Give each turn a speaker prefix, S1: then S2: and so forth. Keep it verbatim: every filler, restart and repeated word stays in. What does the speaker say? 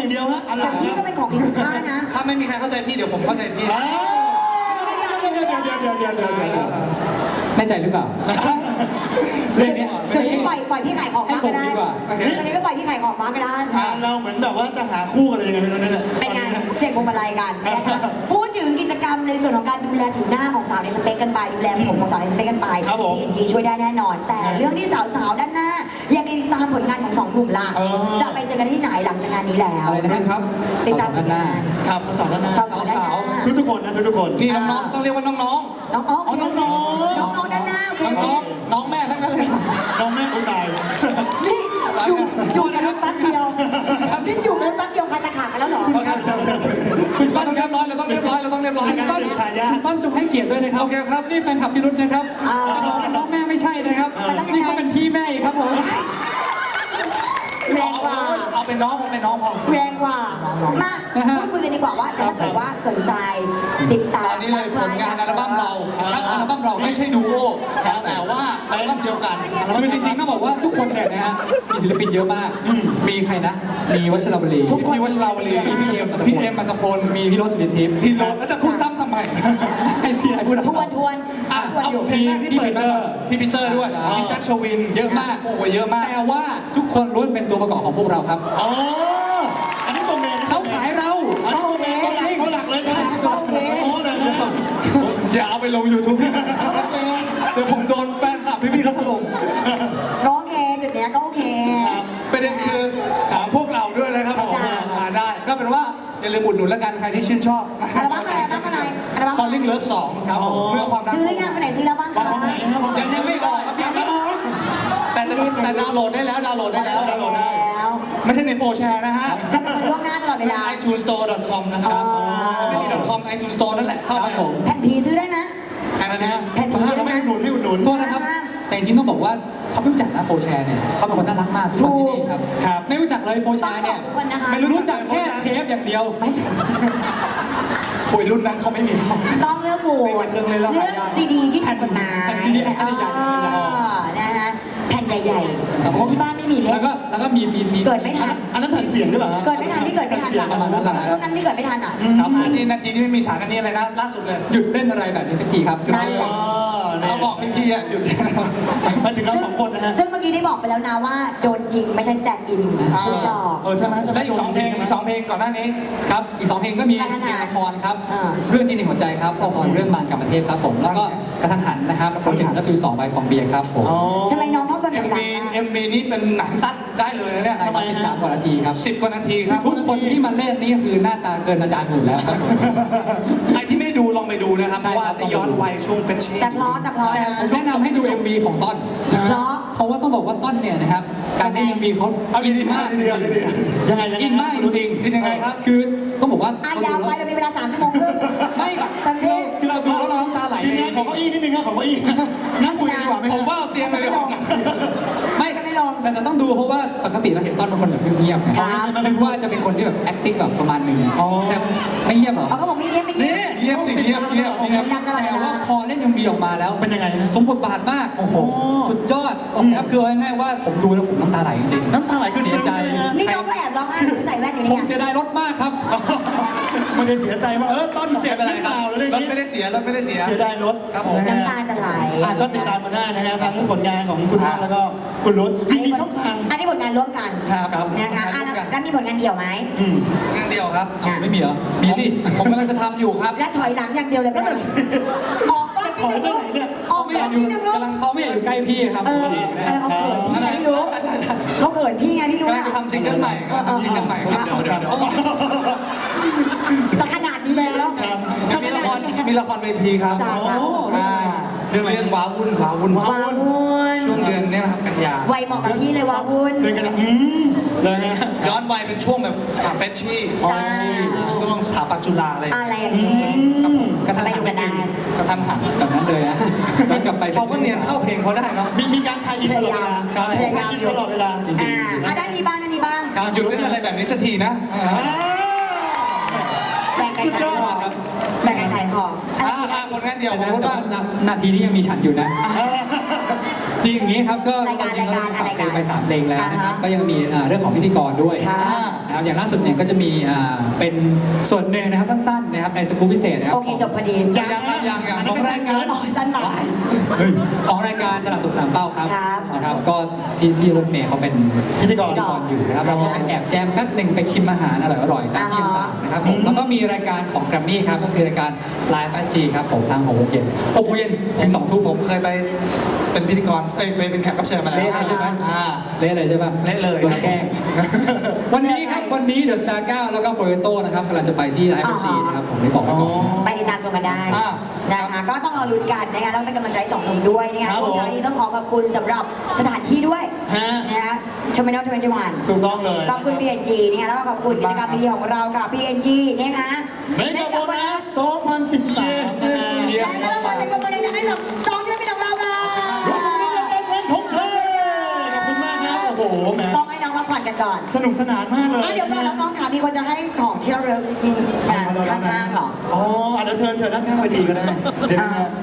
S1: อย่างเดียวฮะอะไร
S2: แต่พี่ก็เป็นของมีคุณค่านะ
S3: ถ้าไม่มีใครเข้าใจพี่เดี๋ยวผมเข้าใจพี่
S1: เดี๋ยวเดี๋ยวเดี๋ยวเดี๋ยวเดี๋ยวเดี๋ยวเดี๋ยว
S4: แน่ใจหรือเปล่าเรื่องนี้
S2: เดี๋ยวนี้ปล่อยปล่อยพี่ขายของ
S4: ให้
S2: มา
S4: ผ
S2: ก็
S4: ม
S2: ได้
S4: ดีกว่า
S2: ตอนนี้ก็ปล่อยพี่ขายของมาก็ได้
S1: อ่าเราเหมือนแบบว่าจะหาคู่กันเลยยังไงไม่รู้นั่นแหละ
S2: เป็นงานเสี่ยงพวงมาลัยกันนะคะพูดถึงกิจกรรมในส่วนของการดูแลผิวหน้าของสาวในสเปคกันไปดูแลผมของสาวในสเปคกันไป พี เอ็น จี ช่วยได้แน่นอน แต่เรื่องที่สาวๆด้านหน้าอยากติดตามผลงานของสองกลุ่มล่ะจะไปเจอกันที่ไหนหลังจากงานนี้แล้ว
S4: อะไรนะครับ
S2: ติดตาม
S4: ด้านหน้า
S1: ครับสาวๆด้านหน้า
S2: สาวๆด้านหน้า
S1: ทุกทุกๆคนนะทุกทุกๆคน
S3: นี่น้องๆต้องเรียกว่าน้องๆ
S2: น้องๆ
S1: อ๋อน้องๆ
S2: น้องๆด้านหน้าโอเค
S3: น้องๆน้องแม่ทั้งนั้นเลย
S1: น้องแม่อุ้ยตาย
S2: นี่อยู่อยู่กันแป๊บเดียวนี่อยู่กันแป๊บเดียวใครจะขาดกันแล้วเหรอ
S4: คุณต้นเรียบร้อยเราต้องเรียบร้อยเราต้องเรียบร้อย
S1: เป็นการ
S4: ต้น
S1: สืบทายาท
S4: คุณต้นจงให้เกียรติด้วยนะครับโอเคครับนี่แฟนคลับพี่รุธนะครับ
S2: อ่า
S4: จะบอกว่าน้องแม่ไม่ใช่นะครับ
S2: มันต้องยังไง
S4: นี่เขาเป็นพี่แม่อีกครับผม
S2: แรงกว่า
S3: เอาเป็นน้องเอาเป็นน้องพอ
S2: แรงกว่า มาพูดคุยกันดีกว่าว่าถ้าเกิดว่าสนใจติดตาม
S3: ตอนนี้เลยผลงานอัลบั้มเรา
S4: ครับอัลบั้มเรา
S3: ไม่ใช่ดูโอแต่ว่าอัลบั้มเดียวกัน
S4: คือจริงๆต้องบอกว่าทุกคนเนี่ยนะฮะมีศิลปินเยอะมาก มีใครนะ มีวัชรวลี
S2: ทุกคน
S3: พี่วัชราวลี
S4: มีพี่เอ็ม
S3: พี่เอ็มอัตพล
S4: มีพี่รสสุรินทิพย์
S3: พี่โรถแล้วจะพูดซ้ำทำไม
S4: ไอซีไอพูด
S2: ทวนทวน
S3: อ่ะ
S2: ทวน
S3: เอา
S2: อยู่
S3: เพลงแรกที่เปิดมาก่อนพี่ปีเตอร์ด้วย พี่แจ็คชวิน
S4: เยอะมาก
S3: โอ้โหเยอะมาก
S4: แต่ว่าทุกคนล้วนเป็นตัวประกอบของพวกเราครับ
S1: อ๋ออันนี้ตัวเมน
S4: เขาขายเรา
S1: อันนี้ตัวเมนตัวหลักตัวหลักเลยตัวหลัก
S2: โอเค
S1: โอ้เลยนะ
S3: อย่าเอาไปลง ยูทูบ เดี๋ยวผมโดนแฟนคลับพี่ๆเขาถล่ม
S2: ก็โอเคจุดเนี้ยก็โอเค
S3: ประเด็นคือถามพวกเราด้วยนะครับผม
S2: จ้ะ
S3: มาได้ ก็เป็นว่าอย่าลืมอุดหนุนแล้วกันใครที่ชื่นชอบ
S2: อัลบั้มอะไรอัลบั้มอะไรอัลบั้ม
S3: คอลลิ่งเลิฟสองครับผมเมื่อความรัก
S2: ซื้อหรือยังคนไหนซื้อแล้วบ้าง
S1: บอก
S2: คะ
S1: ของไหนครับ
S3: ยังยังไม่ออกครับยังไม่ออกแต่จะแต่ดาวน์โหลดได้แล้วดาวน์โหลดได้แล้ว
S1: ดาวน์โหลดได้
S2: แล้ว
S3: ไม่ใช่ในโฟร์แชร์นะฮะ
S2: มันล่วงหน้าตลอดเวลา
S3: ไอทูนสโตร์ดอทคอมนะครับไม่มี .com ไอทูนสโตร์นั่นแหละเข้า
S4: ค
S3: ไป
S4: รับผม
S2: แผ่นผีซื้อได้ไหม
S3: แค่นั้นนะ
S2: แผ่นผี
S1: เราไม่อุดหนุนไม่อุดหนุน
S4: โทษนะครับ แต่จริงๆต้องบอกว่าเขาไม่รู้จักนะโฟร์แชร์เนี่ยเขาเป็นคนน่ารักมากทุกคนที่นี่ครับ
S1: ครับ
S4: ไม่รู้จักเลยโฟร์แช
S2: ต้อง
S4: ร์
S2: บอ
S4: เนี่
S2: ก
S4: ย
S2: ทุกคนนะคะ
S4: ไม่รู้จักแค่เทปอย่างเดียว
S2: ไม่ใช่
S3: คุยรุ่นนั้นเขาไม่มี
S2: ต้องเลือกโหวต
S3: ไม่มีเครื่องเล่นแล้ว
S2: เลือก
S3: หายาก
S2: ซีดีที่ถูกกฎหมาย
S4: แผ่นซีดีแผ่นใหญ่ๆ
S2: เออนะฮะแผ่นใหญ่ๆเพราะที่บ้านไม่มีเล่
S4: แล้ว
S2: น
S4: ก็แล้วก็มีมีมี
S2: เกิดไม่ทัน
S1: อันนั้นแผ่นเสียงหรือเปล่าฮะ
S2: เกิดไม่ทันพี่เกิดไม่ทัน
S1: แผ่เสียงประมาณนั้นแหละ
S2: พวกนั้นพี่เกิดไม่ทันอ่ะ
S3: ครับอันนี้นาทีที่ไม่มีฉากอันนี้อะไรนะล่าสุดเลย
S4: หยุดเล่นอะไรแบบนี้สักทีครับ
S2: นั่นแหละ
S1: อ๋อเนี่ย
S3: เขาบอกพี่ๆอ่ะหยุดได้แล้ว
S1: มาถึงเราสองคนนะฮะ
S2: ซึ่งเมื่อกี้ได้บอกไปแล้วนะว่าโดนจริงไม่ใช่สแตนด์อินถูกดอก
S1: เออใช่ไหมใช่ไหม
S3: และอีกสองเพลงอีกสองเพลงก่อนหน้านี้
S4: ครับอีกสองเพลงก็มี
S2: กระทันหัน
S4: เพลงละครครับ
S2: อ่า
S4: เรื่องจริงในหัวใจครับละครเรื่องบานกรรมเทพครับผมแล้วก็กระทันหันนะครับโปรเจกต์ดับฟิวสองใบฟองเบียร์ครับผม
S1: อ๋อ
S2: ทำไมน้องชอบโดน
S3: เอ็
S2: เว
S3: ม
S2: ลา
S3: วีเอ็มวีนี่เป็นหนังสั้นได้เลยนะเนี่ย
S4: ใช่ครับสิบสามกว่านาทีครับ
S3: สิบกว่านาทีครับ
S4: ทุกคนที่มาเล่นนี่คือหน้าตาเกินอาจารย์หมดแล้วครับผม
S3: ใครที่ไม่ดูลองไปดูนะครับ เพ
S4: ใช่
S3: ราะว่า
S4: ครับ
S3: จะย้อนวัยช่วงเฟชชี่
S2: แต่เพราะแต่เพราะนะ
S4: ผมแนะนำให้ดู เอ็ม วี ของต้น
S2: เพราะ
S4: เพราะว่าต้องบอกว่าต้นเนี่ยนะครับการเล่น เอ็ม วีเขา
S3: เอาดีๆมากดีๆดี
S1: ยังไงยังไง
S4: อินมากจริง
S3: ๆเป็นยังไงครับ
S4: ๆคือต้องบอกว่า
S2: อายาวไปเรามีเวลาสามชั่วโมงครึ่ง
S4: ไม่
S2: เต็มที่
S4: คือเราดูแล้วเราน้ำตาไหล
S1: ทีมงานของเก้าอี้นิดนึงครับของเก้าอี้นั่งคุยกันดีกว่าไหม
S3: ผ
S1: ฮะ
S3: มว่าเอาเตียงไปเลย
S4: ไม่ไม่ลองแต่เราต้องดูเพราะว่าปกติเราเห็นต้นเป็นคนแบบเงียบๆไง
S2: ครับ
S4: นึกว่าจะเป็นคนที่แบบ acting แบบประมาณหนึงแต่ไม่เงียบหรอ
S2: เอาเขาบอกไม่เงียบไม่เงียบ
S3: เงียบสิเงียบเงียบ
S2: เสี
S3: เงีย
S2: ย
S3: บ
S2: งดังตลอดเว
S4: แต่
S2: ลา
S4: ว่าพอเล่น เอ็ม วี ออกมาแล้ว
S1: เป็นยังไงฮะ
S4: สมบทบาทมาก
S1: โอ้โห
S4: สุดยอดครับคือเอาง่ายๆว่าผมดูแล้วผมน้ำตาไหลจริงๆ
S1: น้ำตาไหลคือ
S4: เสี
S1: ซึ้
S4: ย
S1: ง
S4: ใจ
S1: ใช่ไหมฮะ
S2: นี่น้องก็แอบร้องไห้หรือใส่แว่นอยู่
S4: ผ
S2: เนี่
S4: ม
S2: ย
S4: เสียดายรถมากครับ
S1: มันเลยเสียใจว่าเออต้นเจ็บ
S3: ไม่
S1: ห
S3: เป็น
S1: รื
S3: ไร
S1: อ
S3: ค
S1: เป
S3: รับ
S1: ล่าหรืออะไร
S3: รถ
S1: นี้
S3: ไม่ได้เสียรถไม่ได้เสีย
S1: เสียดายรถ
S3: ครับผม
S1: นะฮะ
S2: น้ำตาจะไหล
S1: อ่ะก็ติดตามมาได้นะฮะทั้งผลงานของคุณท่านแล้วก็คุณรุ้มีมีช่องทาง
S2: อันนี้ผลงานร่วมกัน
S1: ครับครับ
S2: นะคะอ่ะแล้วแล้วมีผลงานเดี่ยวไหม
S1: อืม
S3: งานเดียวครับ
S2: อ่ะ
S4: ไม่มีเหรอ มีสิ
S3: ผมกำลังจะทำอยู่ครับ
S2: และถอยหลังอย่างเดียวเลยไหม
S1: นั่นน่ะสิ
S2: ออกก้อนที่หนึ่งลูกออก
S4: ไม่
S2: ก้
S4: อ
S2: อย
S4: าน กอยู่
S2: ที่หนึ่งลูก
S4: กำลังเขาไม่อยากอยู่ใกล้พี่ครับ
S2: เอออะไรเขาเขินพี่ไงพี่รู้เขาเขินพี่ไงพี่รู้
S3: กำลัง
S2: อะ
S3: จะทำซิงเกิลใหม่
S2: เออเออ
S3: ซิงเกิลใหม่ครับ
S1: เดี๋ยวเดี๋ยวเดี๋ยว
S2: แต่ขนาดนี้แล้ว
S1: ครับ
S3: มีละครมีละครเวทีครับ
S2: จ้าจ้า
S1: โอ้
S3: อ่าเรื่องเรื่องว้าวุ่นว้าวุ่น
S2: วาวุ่น
S3: ช่วงเดือนเนี้นะครับกันยา
S2: วัยเหมาะกับพี่เลยวาวุ่น
S1: เดินกันนะอืมเลยฮะ
S3: ย้อนวัยเป็นช่วงแบบเฟชชี่
S2: จ้า
S3: ช่วงสถาปัตย์จุฬาอะไร
S2: อะไรอย่างนี้
S3: ครับผม
S4: กระทัน
S2: ไป
S4: หั
S2: ดู
S4: น
S2: กันได้
S3: กระทันหัน
S4: แบบนั้นเลยอะย้อนกลับไป
S3: เขาก็เนียนเข้าเพลงเขาได้เนาะ
S1: มีมีการใช้อินตลอดเวลา
S3: ใช่
S1: ใช้อินตลอดเวลาจริง
S2: อ่าอ่ะด้านนี้บ้างด้านนี้บ้าง
S3: หยุดเล่นอะไรแบบนี้สักทีนะอ่า
S2: แบ่งกันขายของแบ่งกันขายของอะไร
S3: อ่า
S2: อีก
S3: อ่า
S2: อ่ะ
S3: ผลงานเดี่ยว
S4: แต่
S3: ของรถบ้าง
S4: ว่านาทีนี้ยังมีฉันอยู่นะ จริงอย่างนี้ครับก็
S2: รายการรายการอะไรกัน
S4: เพลงไปสามเพลงแล้วนะครับ
S2: อ่าฮะ
S4: ก็ยังมีอ่าเรื่องของพิธีกรด้วย
S2: ค่ะ
S4: นนะครับอย่างล่าสุดเนี่ยก็จะมีอ่าเป็นส่วนหนึ่งนะครับสั้นๆนะครับในสกู๊ปพิเศษนะครับ
S2: โอเคจบพอดี
S1: ยัง
S3: ยังครับยังยัง
S1: ของรายการ
S2: อ๋อสั้นหน่อย
S4: เฮ้ยของรายการตลาดสดสนามเป้าครับ
S2: ครับ
S4: นะครับก็ที่ที่รถเมย์เขาเป็น
S1: พิธีกร
S4: พิธีกรอยู่นะครับเราก็ไปแอบแจมแป๊บหนึ่งไปชิมอาหารอร่อยๆตามที่ต่างๆนะครับผมแล้วก็มีรายการของแกรมมี่ครับก็คือรายการ Live แอ จี ครับผมทางหกโมงเย็นหกโมงเย็นถึงสองทุ่ม
S3: ผมเคยไปเป็นพิธีกรเอ้ยไปเป็นแขกรับเชิญมาแล้ว
S4: เละเลยใช่ไหม
S3: อ่า
S4: เละเลยใช่ป่ะ
S3: เละเลย
S4: โดนแกล้ง วันนี้ครับวันนี้เดอะสตาร์เก้าแล้วก็โฟเรโต้นะครับกำลังจะไปที่ไลฟ์
S2: อ๋
S4: แอ
S2: อ
S4: จีนะครับผมได้บอกไว้ก่อน
S2: ไปติดตามชมกันได้
S3: อ่า
S2: นะคะก็ต้องรอลุ้นกันนะคะแล้วเป็นกำลังใจให้สองหนุ่มด้วยนะคะ
S1: ครับ
S2: ช่วงท้าย
S1: ผม
S2: นี้ต้องขอขอบคุณสำหรับสถานที่ด้วย
S1: ฮะ
S2: นะคะชมเมนอลชมเมนวัน
S1: ถูกต้องเลย
S2: ขอบคุณ พี เอ็น จี นะคะแล้วก็ขอบคุณกิจกรรมดีๆของเรากับ พี เอ็น จี นะคะ
S1: เมกะโบนัสสองพันสิบสามนะฮะ
S2: และก็ต้องขอเสียงปรบมือดังๆให้กับสองศิลปินของเราค่ะ
S1: รู้สึกว่าจะเป็นวันของเธอขอบคุณมากครับโอ้โหแหม
S2: ต้องให้น้องมาผ่อนกันก่อน
S1: สนุกสนานมากเลย
S2: อ่ะเดี๋ยวก่อนน้องๆค่ะมีคนจะให้ของที่เราเลิกมี
S1: เอาเอาเอา
S2: ข้างๆเหรอ
S1: อ๋ออ่ะเดี๋ยวเชิญเชิญด้านข้างเวทีก็ได้เดี๋ยวนะฮะ